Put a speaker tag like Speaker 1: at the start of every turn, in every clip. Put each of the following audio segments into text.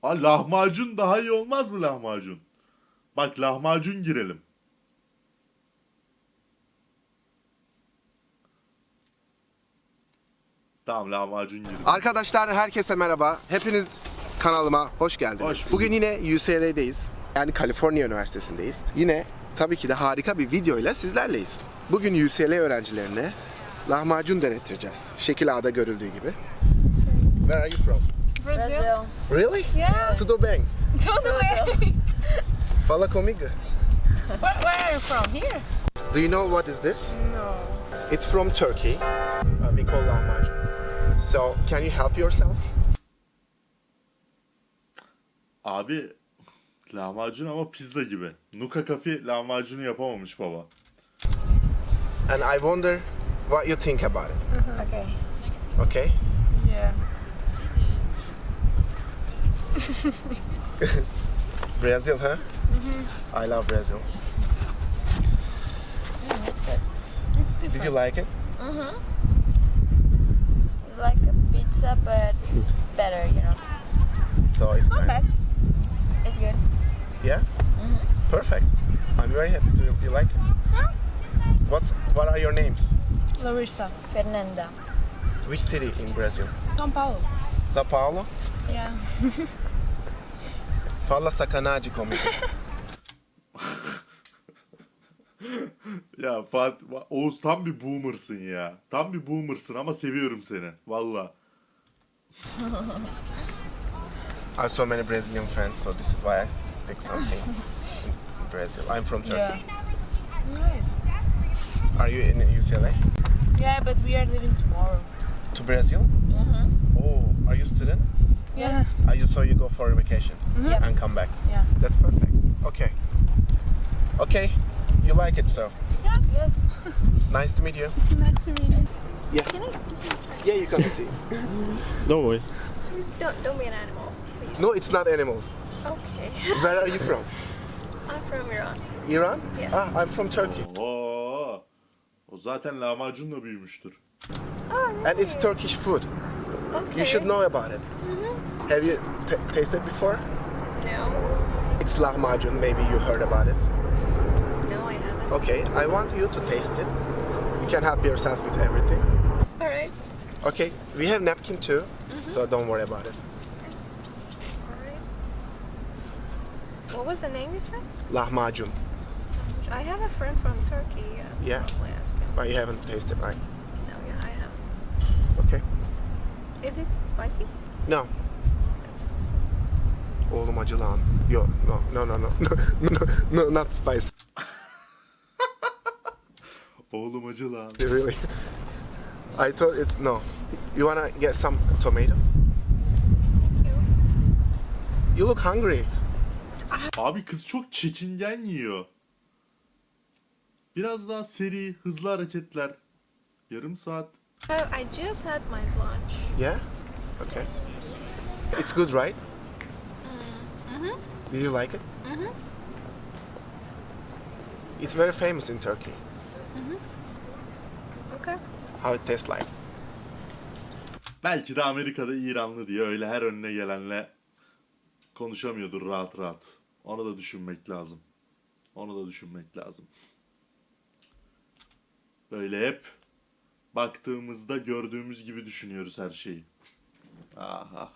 Speaker 1: Lahmacun daha iyi olmaz mı lahmacun? Bak lahmacun girelim. Tamam lahmacun girelim.
Speaker 2: Arkadaşlar herkese merhaba. Hepiniz kanalıma hoş geldiniz.
Speaker 1: Hoş bulduk.
Speaker 2: Bugün yine UCLA'deyiz. Yani Kaliforniya Üniversitesi'ndeyiz. Yine tabii ki de harika bir videoyla sizlerleyiz. Bugün UCLA öğrencilerine lahmacun denettireceğiz. Şekil A'da görüldüğü gibi. Where are you from?
Speaker 3: Brazil.
Speaker 2: Really?
Speaker 3: Yeah.
Speaker 2: Tudo bem.
Speaker 3: Todo bem.
Speaker 2: Fala comigo.
Speaker 3: Where are you from? Here?
Speaker 2: Do you know what is this?
Speaker 3: No.
Speaker 2: It's from Turkey. We call lahmacun. So, can you help yourself?
Speaker 1: Abi lahmacun ama pizza gibi. Nuka Cafe lahmacunu yapamamış baba.
Speaker 2: And I wonder what you think about it.
Speaker 3: Okay.
Speaker 2: Okay?
Speaker 3: Yeah.
Speaker 2: Brazil, huh? I love Brazil.
Speaker 3: That's good. It's different.
Speaker 2: Did you like it?
Speaker 4: It's like a pizza, but better, you know.
Speaker 2: So it's
Speaker 3: Not
Speaker 2: kind
Speaker 3: bad.
Speaker 4: It's good.
Speaker 2: Yeah? Perfect. I'm very happy to you like it.
Speaker 3: Yeah.
Speaker 2: What are your names?
Speaker 3: Larissa.
Speaker 4: Fernanda.
Speaker 2: Which city in Brazil?
Speaker 3: São Paulo.
Speaker 2: Sao Paulo?
Speaker 3: Yeah.
Speaker 2: Fala sacanagem comigo.
Speaker 1: Ya Fatih, Oğuz tam bir boomersın ya. Tam bir boomersın ama seviyorum seni. Valla.
Speaker 2: I have so many Brazilian friends, so this is why I speak something in Brazil. I'm from Turkey.
Speaker 3: Yeah. Nice.
Speaker 2: Are you in UCLA?
Speaker 3: Yeah, but we are leaving tomorrow.
Speaker 2: To Brazil? Oh, are you student?
Speaker 3: Yes.
Speaker 2: I just saw you go for a vacation
Speaker 3: Yep.
Speaker 2: and come back.
Speaker 3: Yeah.
Speaker 2: That's perfect. Okay. Okay. You like it, so
Speaker 4: Yes.
Speaker 2: nice to meet you.
Speaker 3: Nice to meet you.
Speaker 2: Yeah.
Speaker 4: Can I see inside?
Speaker 2: Yeah, you can see. Don't worry.
Speaker 4: Please don't be an animal, please.
Speaker 2: No, it's not animal.
Speaker 4: Okay.
Speaker 2: Where are you from?
Speaker 4: I'm from Iran.
Speaker 2: Iran?
Speaker 4: Yeah.
Speaker 2: Ah, I'm from Turkey.
Speaker 1: Oo. O zaten lahmacunla büyümüştür.
Speaker 4: Oh, really?
Speaker 2: And it's Turkish food.
Speaker 4: Okay.
Speaker 2: You should know about it. Have you tasted before?
Speaker 4: No.
Speaker 2: It's lahmacun. Maybe you heard about it.
Speaker 4: No, I haven't.
Speaker 2: Okay, I want you to taste it. You can help yourself with everything.
Speaker 4: All right.
Speaker 2: Okay, we have napkin too, so don't worry about it.
Speaker 4: Thanks. All right. What was the name you said?
Speaker 2: Lahmacun.
Speaker 4: I have a friend from Turkey.
Speaker 2: Yeah?
Speaker 4: Probably ask him.
Speaker 2: But you haven't tasted, right?
Speaker 4: No, yeah, I have.
Speaker 2: Okay.
Speaker 4: Is it spicy?
Speaker 2: No.
Speaker 4: That's not spicy.
Speaker 2: Oğlum acı lan. Yo, no, not spicy.
Speaker 1: Oğlum acı lan.
Speaker 2: Really. I thought it's no. You wanna get some tomato?
Speaker 4: Thank you.
Speaker 2: You look hungry.
Speaker 1: Abi kız çok çekingen yiyor. Biraz daha seri, hızlı hareketler. Yarım saat.
Speaker 4: Oh, I just had my lunch.
Speaker 2: Yeah? Okay. It's good, right? Did you like it? It's very famous in Turkey.
Speaker 4: Okay.
Speaker 2: How it tastes like.
Speaker 1: Belki de Amerika'da İranlı diye öyle her önüne gelenle konuşamıyordur rahat rahat. Onu da düşünmek lazım. Onu da düşünmek lazım. Böyle hep baktığımızda gördüğümüz gibi düşünüyoruz her şeyi. Aha.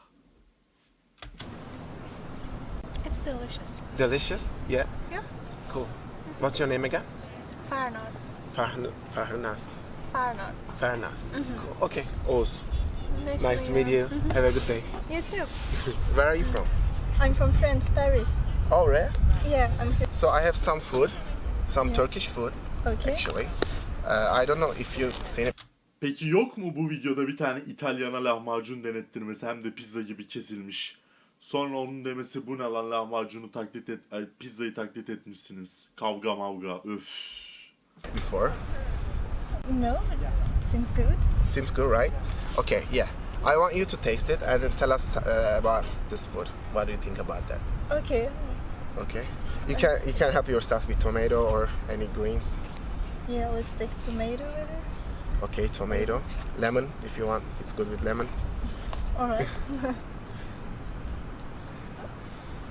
Speaker 4: It's delicious.
Speaker 2: Delicious? Yeah?
Speaker 4: Yeah.
Speaker 2: Cool. What's your name again?
Speaker 4: Farnaz.
Speaker 2: Farnas.
Speaker 4: Farnaz.
Speaker 2: Farnas. Cool. Okay. Oz. Nice to meet you. Have a good day.
Speaker 4: You too.
Speaker 2: Where are you from?
Speaker 5: I'm from France, Paris.
Speaker 2: Oh, really?
Speaker 5: Yeah, I'm here.
Speaker 2: So I have some food, some Turkish food,
Speaker 5: Okay.
Speaker 2: actually. I don't know if you've seen it.
Speaker 1: Peki yok mu bu videoda bir tane İtalyana lahmacun denettirmesi hem de pizza gibi kesilmiş. Sonra onun demesi bu ne lan lahmacunu taklit et, ay, pizzayı taklit etmişsiniz. Kavga mavga öf.
Speaker 2: Before.
Speaker 5: No, it seems good.
Speaker 2: Seems good, right? Okay, yeah. I want you to taste it and then tell us about this food. What do you think about that?
Speaker 5: Okay.
Speaker 2: Okay. You can help yourself with tomato or any greens.
Speaker 5: Yeah, let's take tomato with it.
Speaker 2: Okay, tomato, lemon if you want. It's good with lemon.
Speaker 5: All right.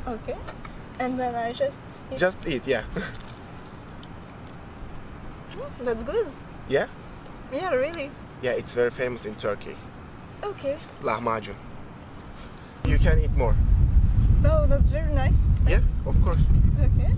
Speaker 5: Okay. And then I just eat.
Speaker 2: Just eat, yeah.
Speaker 5: That's good.
Speaker 2: Yeah?
Speaker 5: Yeah, really.
Speaker 2: Yeah, it's very famous in Turkey.
Speaker 5: Okay.
Speaker 2: Lahmacun. You can eat more.
Speaker 5: No, that's very nice.
Speaker 2: Yes,
Speaker 5: Thanks.
Speaker 2: of course.
Speaker 5: Okay.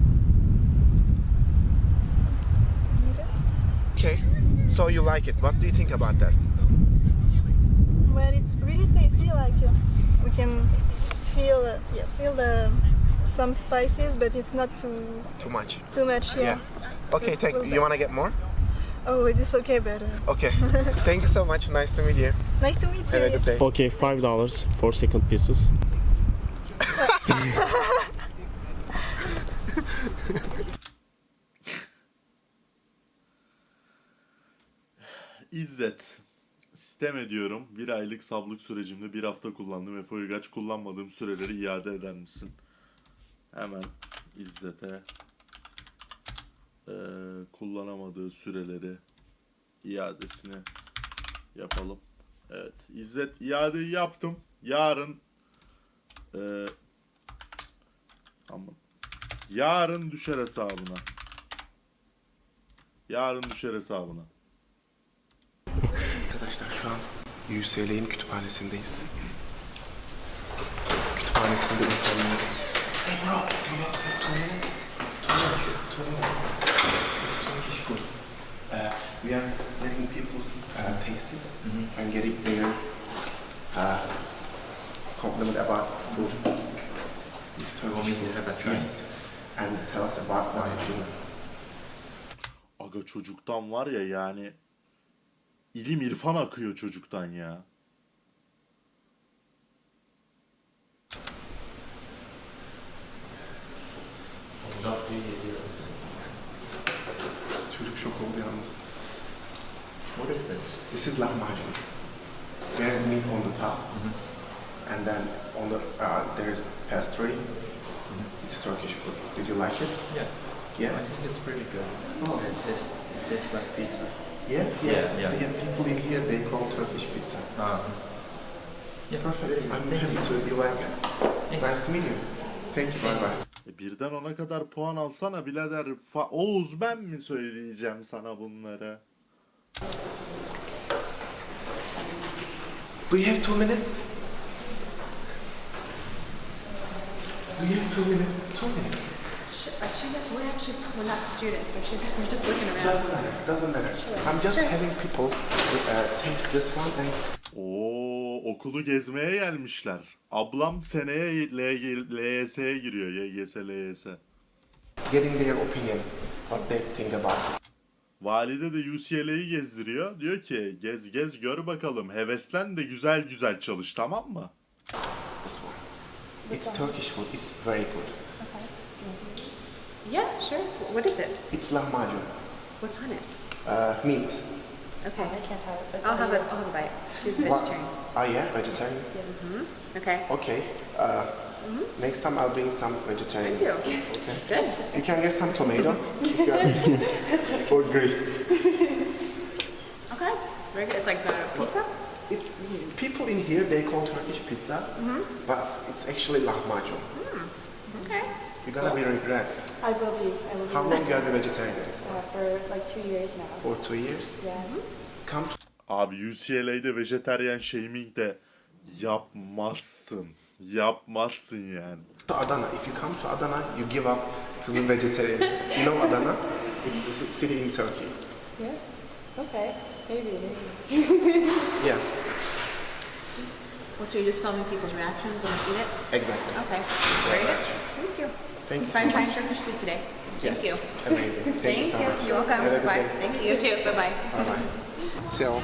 Speaker 2: Okay. So you like it. What do you think about that?
Speaker 5: Well, it's really tasty. Like we can feel the some spices, but it's not
Speaker 2: Too much.
Speaker 5: too much. Yeah.
Speaker 2: Okay,
Speaker 5: It's
Speaker 2: thank
Speaker 5: well
Speaker 2: you. You wanna get more?
Speaker 5: Oh, it is okay, but
Speaker 2: Okay. Thank you so much. Nice to meet you.
Speaker 5: nice to meet you.
Speaker 2: Have a good day.
Speaker 6: Okay, $5 for second pieces.
Speaker 1: İzzet. Sistem ediyorum. Bir aylık sablık sürecimde bir hafta kullandım ve Foygaç kullanmadığım süreleri iade eder misin? Hemen İzzet'e kullanamadığı süreleri iadesini yapalım. Evet. İzzet iadeyi yaptım. Yarın aman. Yarın düşer hesabına. Yarın düşer hesabına.
Speaker 2: Arkadaşlar şu an UCLA'nin kütüphanesindeyiz. Kütüphanesinde insanlar... Hey bro, you have 2 minutes? 2 minutes. It's Turkish food. We are letting people taste it and getting their compliment about food. It's Turkish food. Yes. And tell us about why you do it.
Speaker 1: Aga çocuktan var ya yani ilim irfan akıyor çocuktan ya.
Speaker 2: Çocuk şok oldu yalnız.
Speaker 7: What is this?
Speaker 2: This is lahmacun. There is meat on the top, and then on the there's pastry. It's Turkish food. Did you like it?
Speaker 7: Yeah.
Speaker 2: Yeah.
Speaker 7: I think it's pretty good.
Speaker 2: Oh.
Speaker 7: It tastes like pizza.
Speaker 2: Yeah.
Speaker 7: Yeah.
Speaker 2: They have people in here. They call Turkish pizza.
Speaker 7: Yeah.
Speaker 2: Perfect. I'm
Speaker 7: Thank
Speaker 2: happy
Speaker 7: you.
Speaker 2: to you like it.
Speaker 7: Yeah.
Speaker 2: Nice to meet you. Thank you. Bye bye.
Speaker 1: Birden 10'a kadar puan alsana birader. Oğuz ben mi söyleyeceğim sana bunları?
Speaker 2: Do you have 2 minutes? Do you have 2 minutes? 2 minutes.
Speaker 4: We're not students. We're just looking around.
Speaker 2: Doesn't matter. Doesn't matter. I'm just having people taste this one and
Speaker 1: Oo, okulu gezmeye gelmişler. Ablam seneye LYS'ye giriyor. YGS, LYS.
Speaker 2: getting their opinion, what they think about it.
Speaker 1: Valide de UCLA'yı gezdiriyor. Diyor ki gez gez gör bakalım. Heveslen de güzel güzel çalış, tamam mı?
Speaker 2: This one. It's Turkish food. It's very good.
Speaker 4: Yeah, sure. What is it?
Speaker 2: It's lahmacun.
Speaker 4: What's on it?
Speaker 2: Meat.
Speaker 4: Okay. I can't have it. But I'll have a bite. She's
Speaker 2: What?
Speaker 4: vegetarian.
Speaker 2: Oh yeah, vegetarian.
Speaker 4: Okay.
Speaker 2: Okay. Next time I'll bring some vegetarian.
Speaker 4: Thank you. It's good.
Speaker 2: You can get some tomato if you are or grilled.
Speaker 4: Okay. Very good. It's like pizza?
Speaker 2: It, people in here they call Turkish pizza, but it's actually lahmacun.
Speaker 4: Okay.
Speaker 2: You're gonna be regret.
Speaker 8: I will be.
Speaker 2: How long you are a vegetarian?
Speaker 8: For like 2 years now.
Speaker 2: For 2 years.
Speaker 8: Yeah.
Speaker 2: Come to
Speaker 1: Abi UCLA'de vejetaryen shaming de yapmazsın. Yapmazsın yani.
Speaker 2: Adana. If you come to Adana, you give up to be vegetarian. You know Adana? It's the city in Turkey.
Speaker 8: Yeah. Okay. Maybe.
Speaker 2: Yeah,
Speaker 4: Well, so you're just filming people's reactions when they eat it?
Speaker 2: exactly.
Speaker 4: Okay. Very good. Thank you.
Speaker 2: Thank you so
Speaker 4: Fine trying
Speaker 2: much.
Speaker 4: Turkish food today.
Speaker 2: Yes.
Speaker 4: Thank you.
Speaker 2: Amazing. Thank you so much.
Speaker 4: You're welcome.
Speaker 2: Have a good
Speaker 4: Bye.
Speaker 2: day.
Speaker 4: Thank you. You too. Bye-bye.
Speaker 2: Bye bye. So,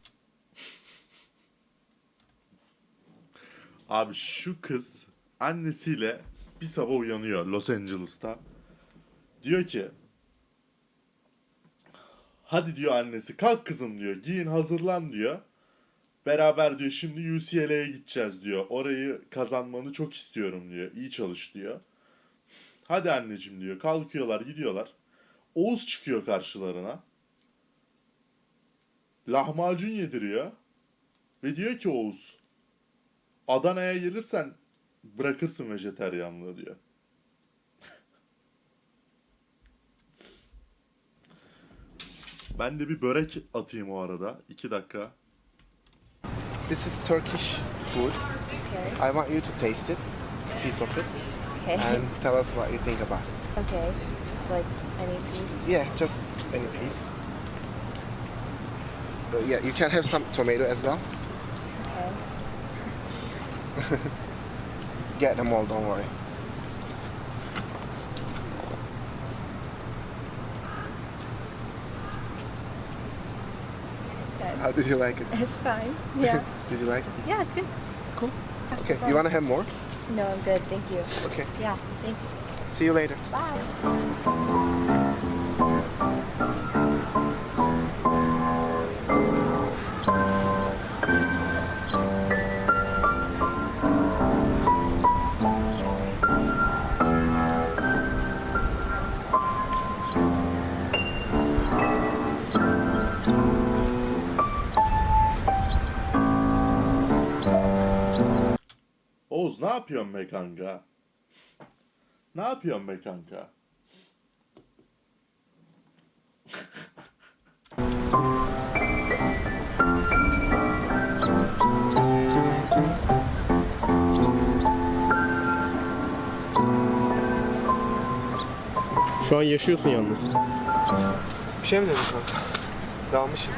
Speaker 1: Abi şu kız annesiyle bir sabah uyanıyor Los Angeles'ta. Diyor ki hadi diyor annesi kalk kızım diyor, giyin hazırlan diyor. Beraber diyor şimdi UCLA'ya gideceğiz diyor. Orayı kazanmanı çok istiyorum diyor. İyi çalış diyor. Hadi anneciğim diyor. Kalkıyorlar gidiyorlar. Oğuz çıkıyor karşılarına. Lahmacun yediriyor. Ve diyor ki Oğuz, Adana'ya gelirsen bırakırsın vejeteryanlığı diyor. Ben de bir börek atayım o arada. 2 dakika.
Speaker 2: This is Turkish food.
Speaker 8: Okay.
Speaker 2: I want you to taste it, a piece of it,
Speaker 8: Okay.
Speaker 2: and tell us what you think about it.
Speaker 8: Okay. Just like any piece.
Speaker 2: Yeah, just any piece. But yeah, you can have some tomato as well.
Speaker 8: Okay.
Speaker 2: Get them all, don't worry.
Speaker 8: Okay.
Speaker 2: How did you like it?
Speaker 8: It's fine. Yeah.
Speaker 2: Did you like it?
Speaker 8: Yeah, it's good.
Speaker 2: Cool. Okay, you want to have more?
Speaker 8: No, I'm good. Thank you.
Speaker 2: Okay,
Speaker 8: Yeah. Thanks.
Speaker 2: see you later.
Speaker 8: Bye.
Speaker 1: Oğuz ne yapıyorsun be kanka? Ne yapıyorsun be kanka?
Speaker 6: Şu an yaşıyorsun yalnız.
Speaker 2: Bir şey mi dedin kanka? Dalmışım.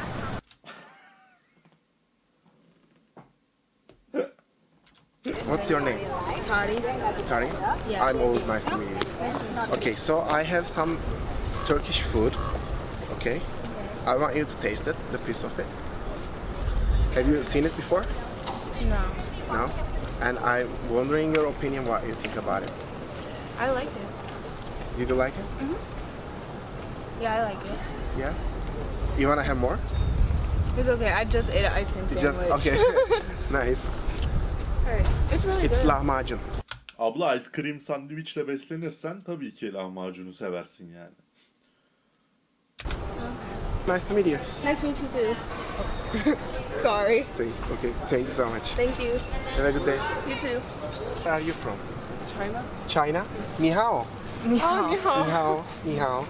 Speaker 2: What's your name?
Speaker 4: Tari.
Speaker 2: Tari? I'm always nice to meet you. Okay, so I have some Turkish food. Okay? I want you to taste it, the piece of it. Have you seen it before?
Speaker 4: No.
Speaker 2: No? And I'm wondering your opinion, what you think about it.
Speaker 4: I like it.
Speaker 2: Did you like it?
Speaker 4: Yeah, I like it.
Speaker 2: Yeah? You want to have more?
Speaker 4: It's okay. I just ate an ice cream
Speaker 2: You
Speaker 4: sandwich.
Speaker 2: just, okay. Nice.
Speaker 4: Alright. It's really
Speaker 2: It's
Speaker 4: good.
Speaker 2: lahmacun.
Speaker 1: Abla ice cream sandviçle beslenirsen tabii ki lahmacunu seversin yani.
Speaker 2: Nice to meet you.
Speaker 4: Nice to meet you too. Sorry.
Speaker 2: Okay, thank you so much.
Speaker 4: Thank you.
Speaker 2: Have a good day.
Speaker 4: You too.
Speaker 2: Where are you from?
Speaker 8: China.
Speaker 2: China? Ni hao. Ni hao. Ni hao.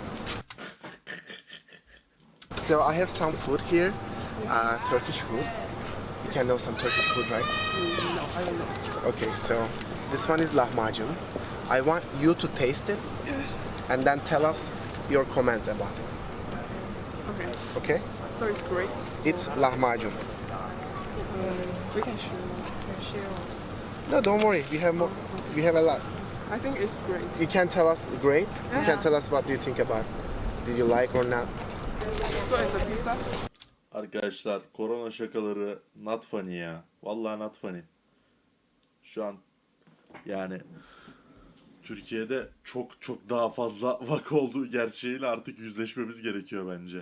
Speaker 2: So I have some food here, Turkish food. You can know some Turkish food, right?
Speaker 8: No, I don't know.
Speaker 2: Okay, so this one is lahmacun. I want you to taste it and then tell us your comment about it.
Speaker 8: Okay.
Speaker 2: Okay?
Speaker 8: So it's great.
Speaker 2: It's lahmacun.
Speaker 8: We can share.
Speaker 2: No, don't worry. We have more. We have a lot.
Speaker 8: I think it's great.
Speaker 2: You can tell us great. You can tell us what do you think about. Did you like or not?
Speaker 8: So it's a pizza.
Speaker 1: Arkadaşlar korona şakaları not funny ya. Vallahi not funny. Şu an yani Türkiye'de çok daha fazla vaka olduğu gerçeğiyle artık yüzleşmemiz gerekiyor bence.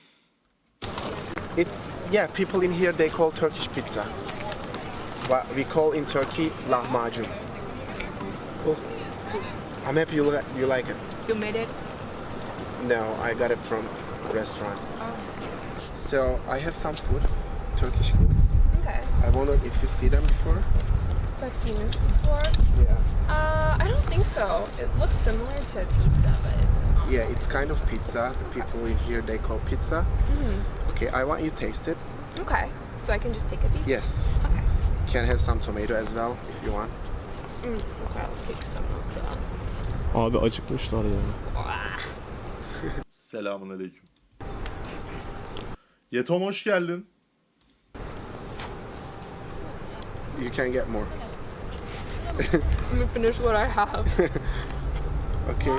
Speaker 2: It's yeah. People in here they call Turkish pizza. What we call in Turkey lahmacun. Oh, I'm happy you like it.
Speaker 4: You made it.
Speaker 2: No, I got it from a restaurant. So I have some food, Turkish food.
Speaker 4: Okay.
Speaker 2: I wonder if you see them before.
Speaker 4: I've seen this before.
Speaker 2: Yeah.
Speaker 4: I don't think so. It looks similar to pizza, but it's not.
Speaker 2: Yeah, it's kind of pizza. The people in here they call pizza. Okay, I want you to taste it.
Speaker 4: Okay. So I can just take a piece?
Speaker 2: Yes.
Speaker 4: Okay.
Speaker 2: You can have some tomato as well if you want.
Speaker 4: Okay, I'll take some of that.
Speaker 6: Abi acıkmışlar ya.
Speaker 1: Selamünaleyküm. Yetom hoş geldin.
Speaker 2: You can get more.
Speaker 4: Let me finish what I have.
Speaker 2: Okay.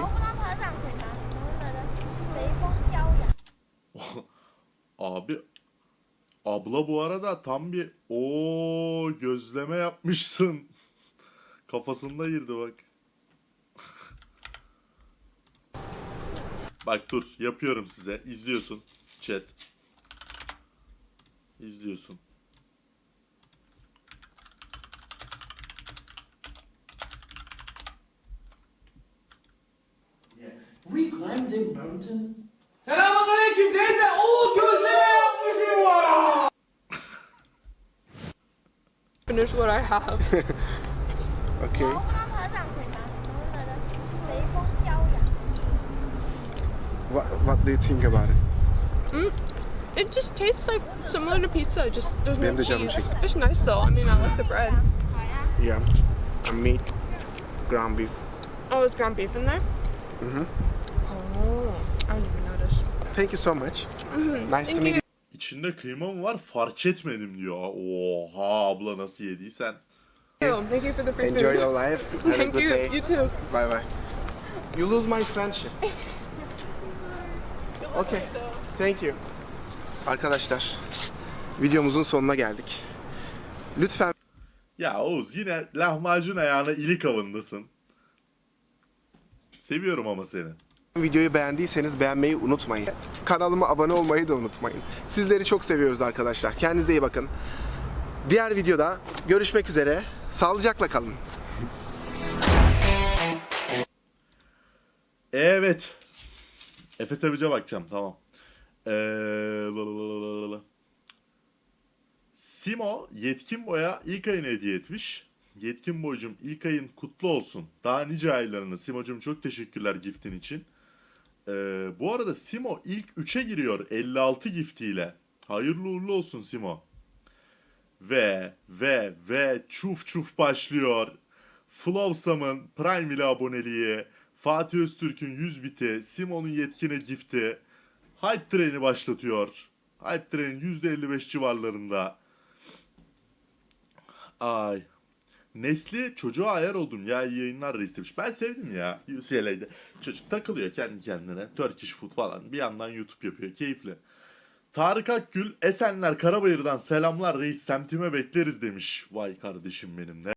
Speaker 1: Abi abla bu arada tam bir gözleme yapmışsın. Kafasında girdi bak. Bak dur yapıyorum size. İzliyorsun chat. İzliyorsun.
Speaker 9: We climbed a mountain. Selamünaleyküm teyze. Oo gözleme yapmışım var.
Speaker 4: Finish what I have.
Speaker 2: Okay. What do you think about it?
Speaker 8: It just tastes like similar to pizza. Just there's no
Speaker 2: Benim de canım
Speaker 8: cheese.
Speaker 2: çekti.
Speaker 8: It's nice though. I mean, I like the bread.
Speaker 2: Yeah. And meat, ground beef.
Speaker 8: Oh, there's ground beef in there.
Speaker 2: Mhm.
Speaker 8: Oh, I didn't even notice.
Speaker 2: Thank you so much. Nice to
Speaker 8: Thank
Speaker 2: meet
Speaker 8: you.
Speaker 2: you.
Speaker 1: İçinde kıyma mı var fark etmedim diyor. Oha abla nasıl yediysen.
Speaker 8: Thank you for the free
Speaker 2: Enjoy
Speaker 8: food.
Speaker 2: your life. Have a
Speaker 8: Thank
Speaker 2: good
Speaker 8: you.
Speaker 2: day.
Speaker 8: You too.
Speaker 2: Bye bye. You lose my friendship. Okay. Thank you. Arkadaşlar, videomuzun sonuna geldik. Lütfen
Speaker 1: Ya Oğuz yine lahmacun ayağına ilik avındasın. Seviyorum ama seni.
Speaker 2: videoyu beğendiyseniz beğenmeyi unutmayın. Kanalıma abone olmayı da unutmayın. Sizleri çok seviyoruz arkadaşlar. Kendinize iyi bakın. Diğer videoda görüşmek üzere. Sağlıcakla kalın.
Speaker 1: Evet. Efe Savage'a bakacağım tamam. Lalalala. Simo Yetkin Boy'a ilk ayını hediye etmiş. Yetkin Boy'cum ilk ayın kutlu olsun. Daha nice aylarını. Simo'cum çok teşekkürler giftin için. Bu arada Simo ilk 3'e giriyor 56 giftiyle. Hayırlı uğurlu olsun Simo. Ve çuf çuf başlıyor. Flowsam'ın Prime ile aboneliği, Fatih Öztürk'ün 100 biti, Simo'nun yetkine gifti. Hype Train'i başlatıyor. Hype Train %55 civarlarında. Ay. Nesli çocuğa ayar oldum ya iyi yayınlar reis demiş. Ben sevdim ya UCLA'de. Çocuk takılıyor kendi kendine. Turkish food falan. Bir yandan YouTube yapıyor. Keyifli. Tarık Akgül Esenler Karabayır'dan selamlar reis semtime bekleriz demiş. Vay kardeşim benim ne